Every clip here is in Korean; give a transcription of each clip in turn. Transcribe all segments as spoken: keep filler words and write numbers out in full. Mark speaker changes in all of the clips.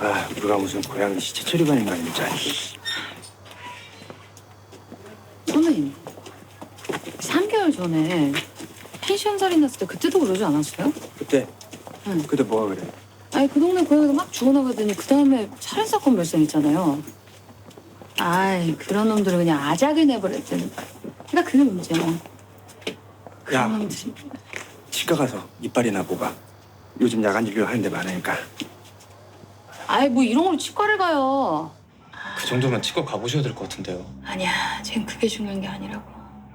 Speaker 1: 아, 우리가 무슨 고양이 시체 처리반인가 진짜.
Speaker 2: 선배님, 삼 개월 전에 펜션 살인 났을 때 그때도 그러지 않았어요?
Speaker 1: 그때?
Speaker 2: 응.
Speaker 1: 그때 뭐가 그래?
Speaker 2: 아니 그 동네 고양이가 막 죽어나가더니 그 다음에 살인 사건 발생했잖아요. 아이 그런 놈들은 그냥 아작을 내버렸다니까. 그러니까 그게 문제야. 그런
Speaker 1: 야.
Speaker 2: 놈들이.
Speaker 1: 치과 가서 이빨이나 뽑아. 요즘 야간 진료 하는 데 많으니까.
Speaker 2: 아이 뭐 이런 걸로 치과를 가요.
Speaker 3: 그 정도면 치과 가보셔야 될 것 같은데요.
Speaker 2: 아니야, 지금 그게 중요한 게 아니라고.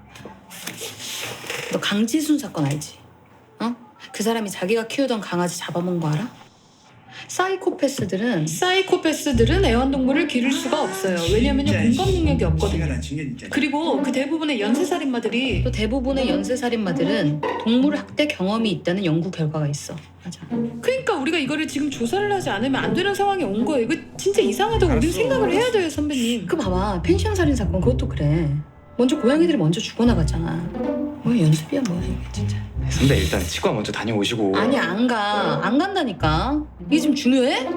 Speaker 2: 너 강지순 사건 알지? 어? 그 사람이 자기가 키우던 강아지 잡아먹은 거 알아? 사이코패스들은 사이코패스들은 애완동물을 기를 수가 없어요. 왜냐면 공감 능력이 없거든요. 그리고 그 대부분의 연쇄살인마들이 또 대부분의 연쇄살인마들은 동물 학대 경험이 있다는 연구 결과가 있어. 맞아. 그러니까 우리가 이거를 지금 조사를 하지 않으면 안 되는 상황이 온 거예요. 이거 진짜 이상하다고 우린 생각을 해야 돼요, 선배님. 그 봐봐, 펜션 살인 사건 그것도 그래. 먼저 고양이들이 먼저 죽어나갔잖아. 뭐 연습이야 뭐야 이게 진짜.
Speaker 3: 선배 일단 치과 먼저 다녀오시고.
Speaker 2: 아니 안 가. 안 간다니까. 이게 지금 중요해?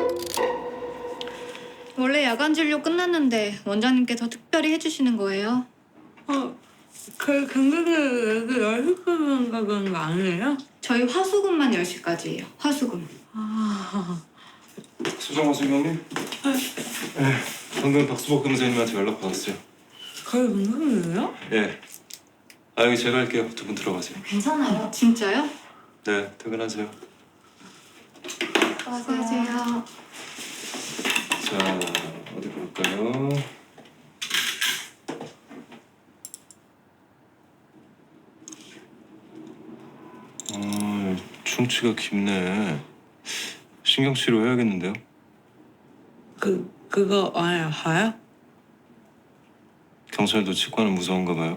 Speaker 4: 원래 야간 진료 끝났는데 원장님께서 특별히 해주시는 거예요?
Speaker 5: 어, 그 경기를 그 열시까지인가 그런 거 아니에요?
Speaker 4: 저희 화수금만 열 시까지예요. 화수금.
Speaker 5: 아,
Speaker 6: 수정호 선생님? 네. 방금 박수복 검사님한테 연락 받았어요.
Speaker 5: 거의 건강이에요?
Speaker 6: 예. 아 여기 제가 할게요. 두 분 들어가세요.
Speaker 4: 괜찮아요. 진짜요?
Speaker 6: 네, 퇴근하세요.
Speaker 4: 수고하세요.
Speaker 6: 자, 어디 볼까요? 어, 충치가 깊네. 신경치료 해야겠는데요?
Speaker 5: 그, 그거 아야, 하야?
Speaker 6: 경찰도 치과는 무서운가 봐요.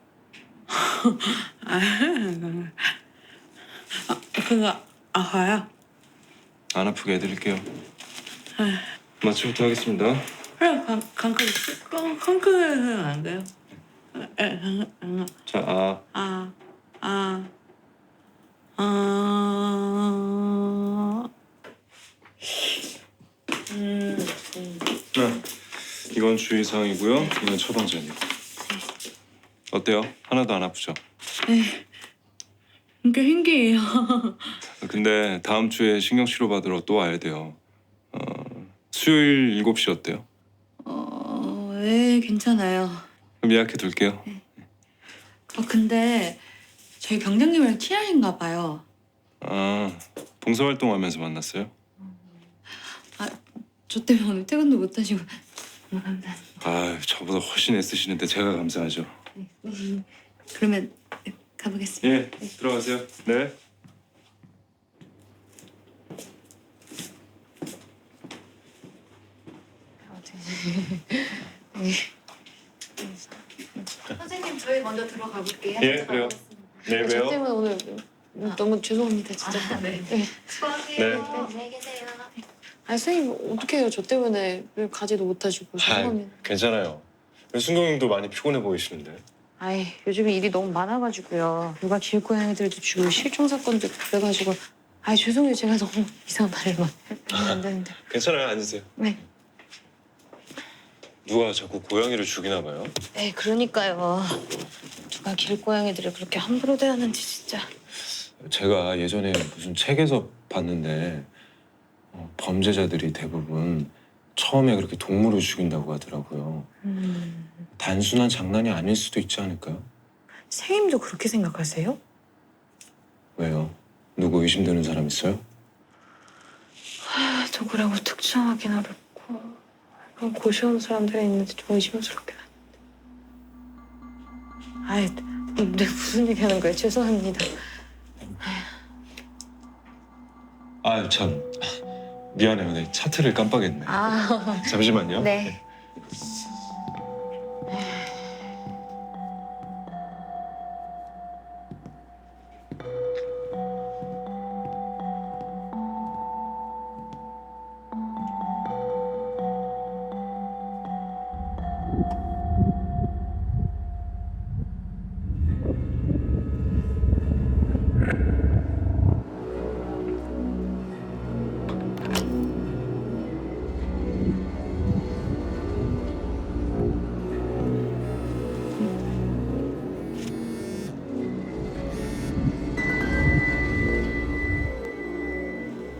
Speaker 5: 아, 그거. 아, 그거 아파요?
Speaker 6: 안 아프게 해드릴게요. 마취부터 하겠습니다.
Speaker 5: 그래, 강, 강크, 강, 강크는 안 돼요? 에, 강, 강,
Speaker 6: 자, 아.
Speaker 5: 아, 아, 아, 음, 음.
Speaker 6: 네. 이건 주의사항이고요. 이건 처방전이요. 어때요? 하나도 안 아프죠?
Speaker 5: 이게 신기해요.
Speaker 6: 근데 다음 주에 신경치료 받으러 또 와야 돼요. 어, 수요일 일곱 시 어때요?
Speaker 2: 어, 예, 괜찮아요.
Speaker 6: 그럼 예약해 둘게요.
Speaker 2: 어, 근데 저희 병장님이랑 친하신가 봐요.
Speaker 6: 아, 봉사활동하면서 만났어요?
Speaker 2: 저 때문에 오늘 퇴근도 못 하시고 너무 감사합니다.
Speaker 6: 아, 저보다 훨씬 애쓰시는데 제가 감사하죠.
Speaker 2: 그러면 가보겠습니다.
Speaker 6: 예, 들어가세요. 네.
Speaker 4: 선생님 저희 먼저 들어가 볼게요.
Speaker 6: 예, 그래요. 네,
Speaker 7: 저
Speaker 6: 왜요?
Speaker 7: 때문에 오늘 너무 죄송합니다 진짜.
Speaker 4: 아, 네.
Speaker 7: 네.
Speaker 4: 수고하세요.
Speaker 6: 네.
Speaker 4: 안녕히 계세요.
Speaker 7: 아니 선생님 어떻게 해요? 저 때문에 가지도 못하시고 죄송합니다.
Speaker 6: 괜찮아요. 순경님도 많이 피곤해 보이시는데.
Speaker 7: 아이 요즘에 일이 너무 많아가지고요. 누가 길고양이들도 죽고 실종 사건도 그래가지고 아이 죄송해요. 제가 너무 이상한 말을 막 하면 안 되는데.
Speaker 6: 괜찮아요. 앉으세요.
Speaker 7: 네.
Speaker 6: 누가 자꾸 고양이를 죽이나 봐요?
Speaker 7: 네 그러니까요. 누가 길고양이들을 그렇게 함부로 대하는지 진짜.
Speaker 8: 제가 예전에 무슨 책에서 봤는데 어, 범죄자들이 대부분 처음에 그렇게 동물을 죽인다고 하더라고요.
Speaker 7: 음.
Speaker 8: 단순한 장난이 아닐 수도 있지 않을까요?
Speaker 7: 선생님도 그렇게 생각하세요?
Speaker 8: 왜요? 누구 의심되는 사람 있어요?
Speaker 7: 아, 누구라고 특정하긴 어렵고 그런 고시원 사람들이 있는데 좀 의심스럽긴 한데. 아이, 네 무슨 얘기하는 거예요? 죄송합니다.
Speaker 8: 아유 참 미안해요. 내 차트를 깜빡했네.
Speaker 7: 아,
Speaker 8: 잠시만요.
Speaker 7: 네.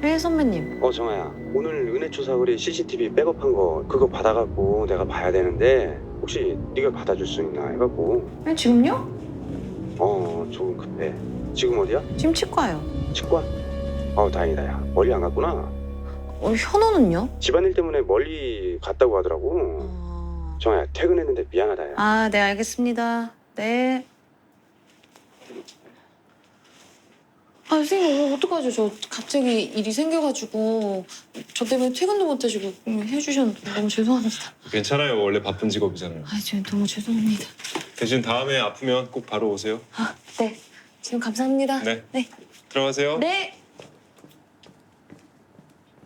Speaker 7: 네 선배님.
Speaker 1: 어 정아야, 오늘 은혜초 사거리 씨씨티비 백업한 거 그거 받아갖고 내가 봐야 되는데 혹시 네가 받아줄 수 있나 해갖고.
Speaker 7: 네, 지금요?
Speaker 1: 어 조금 급해. 지금 어디야?
Speaker 7: 지금 치과요.
Speaker 1: 치과? 어 다행이다. 야 멀리 안 갔구나.
Speaker 7: 어, 현호는요?
Speaker 1: 집안일 때문에 멀리 갔다고 하더라고.
Speaker 7: 어...
Speaker 1: 정아야 퇴근했는데 미안하다. 야.
Speaker 7: 아, 네 알겠습니다. 네. 아 선생님 어떡하죠? 저 갑자기 일이 생겨가지고 저 때문에 퇴근도 못 해주고 해주셨는데 너무 죄송합니다.
Speaker 8: 괜찮아요. 원래 바쁜 직업이잖아요.
Speaker 7: 아, 저 너무 죄송합니다.
Speaker 8: 대신 다음에 아프면 꼭 바로 오세요.
Speaker 7: 아, 네. 지금 감사합니다.
Speaker 8: 네.
Speaker 7: 네.
Speaker 8: 들어가세요.
Speaker 7: 네.